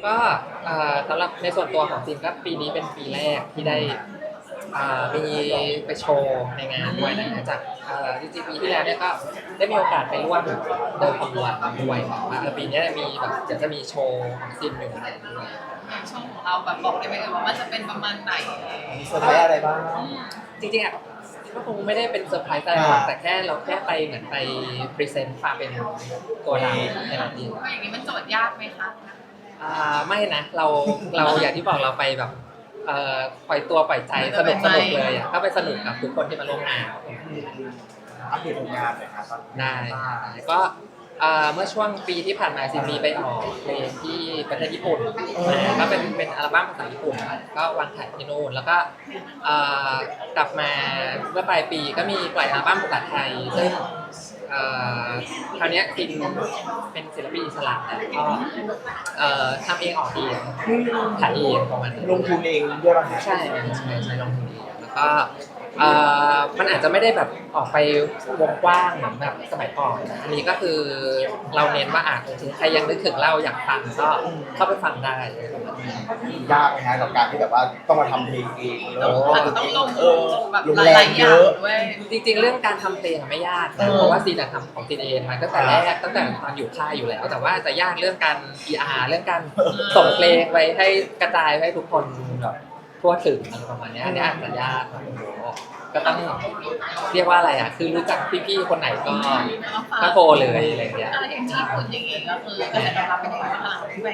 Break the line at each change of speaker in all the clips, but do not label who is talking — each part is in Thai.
ก็สำหรับในส่วนตัวของซินก็ปีนี้เป็นปีแรกที่ได้มีไปโชว์ในงานด้วยนะจากจริงๆปีที่แล้วเนี่ยก็ได้มีโอกาสไปร่วมเดินขบวนด้วยว่าปีนี้มีแบบเดี๋ยวจะมีโชว์ของซินอยู่ในนั้นด้วย
ช่วงของเราแบบบอกได้ไหมว่ามันจะเป็นประมาณไหน
มีเซอร์ไพรส์อะไรบ้าง
จริงๆอ่ะก็คงไม่ได้เป็นเซอร์ไพรส์อะไรหรอกแต่แค่เราแค่ไปเหมือนไปพรีเซนต์ความเป็นตัวเราในนั้นเอง
อย่างนี้มันโจทย์ยากไหมคะ
ไม่นะเราอย่างที่บอกเราไปแบบปล่อยตัวปล่อยใจสนุกเลยอ่ะก็ไปสนุกกับทุกคนที่มาร่วมงาน
อัปเดตผลงานหน่อยครับ
ได้ก็เมื่อช่วงปีที่ผ่านมาซิมีไปออกเพลงที่ประเทศญี่ปุ่นก็เป็นอัลบั้มภาษาญี่ปุ่นก็วางขายที่นู่นแล้วก็กลับมาเมื่อปลายปีก็มีปล่อยอัลบั้มภาษาไทยซึ่งคราวนี้ซินเป็นศิลปินอิสระก็ทำเองออกเองขายเองประมาณ
ลงทุนเองด้วยป่ะ
ใช่ลงทุนเองแล้วก็มันอาจจะไม่ได้แบบออกไปวงกว้างเหมือนแบบสมัยก่อนอันนี้ก็คือเราเน้นว่าถึงใครยังนึกถึงเราอยากฟังก็เข้าไปฟังได้
ยากไหมฮะกับการที่แบบว่าต้องมาทำเพลงเอง
ต้องลงแบบหลายอย่างด้วย
จริงๆเรื่องการทำเพลงไม่ยากนะเพราะว่าซีนทำของซีนเองมาตั้งแต่แรกตั้งแต่ตอนอยู่ค่ายอยู่แล้วแต่ว่าจะยากเรื่องการ PR เรื่องการส่งเพลงไปให้กระจายให้ทุกคนแบบทั่วถึงอะไรประมาณนี้อันนี้อาจจะยากก็ต้องเรียกว่าอะไรคือรู้จักพี่ๆคนไหนก็โทรเลยอะไรอย่างเงี้ย
อะไรอย่างที่ญี่ปุ่นอย่างเงี้ยก็คือกระแสตอบรับเป็นยังไงบ้างที่ไป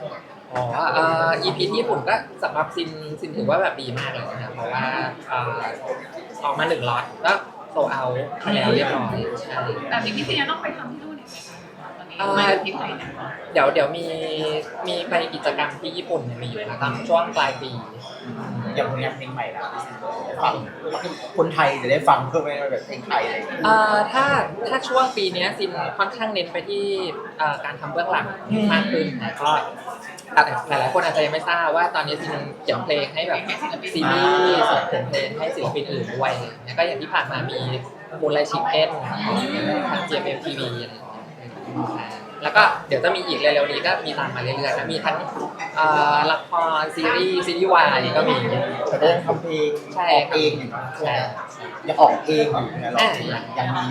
EP ที่ญี่ปุ่นก็สำหรับซินถือว่าแบบดีมากเลยนะเพราะว่าออกมา1 ล็อตก็โซเอาไปแล้วเรียบร้อยใช่
แบบนี้พี่ซีต้องไปทำที่นู่นอีกไหมคะตอนนี้ไม่ที่ไทย
เดี๋ยวมีไปกิจกรรมที่ญี่ปุ่นมีอยู่นะตอนช่วงปลายปี
อย่างผลงานเพลงใหม่แล้วฟังคนไทยจะได้ฟังเพื่อไม่แบบเพลงไทยอะไร
ถ้าช่วงปีนี้ซินค่อนข้างเน้นไปที่การทำเบื้องหลังมากขึ้นนะก็หลายๆคนอาจจะยังไม่ทราบว่าตอนนี้ซินเขียนเพลงให้แบบซีรีส์เขียนเพลงให้ศิลปินอื่นด้วยแล้วก็อย่างที่ผ่านมามีมูนไลชิคเก้นทาง GMMTV อะไรอย่างเงี้ยแล้วก็เดี๋ยวจะมีอีกเร็วๆนี้ก็มีตามมาเรื่อยๆนะมีทั้งละครซีรีส์วายก็มี
แต่ก็ยังทำเพลงออกเองอยู่ยังออกเองอยู่นะเรายังมี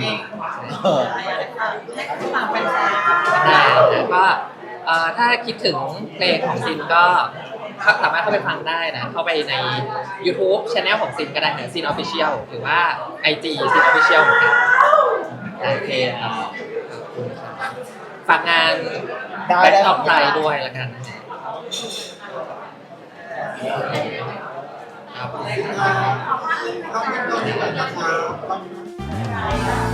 ให้ฝากแฟนๆ
ได้แล้วก็ถ้าคิดถึงเพลงของซินก็สามารถเข้าไปฟังได้นะเข้าไปใน YouTube Channel ของซินก็ได้นะซิน Official หรือว่า IG ซิน Official เหมือนกันโอเคครับฝากงานแบ็คท็อปไลน์ด้วยแล้วกันครับ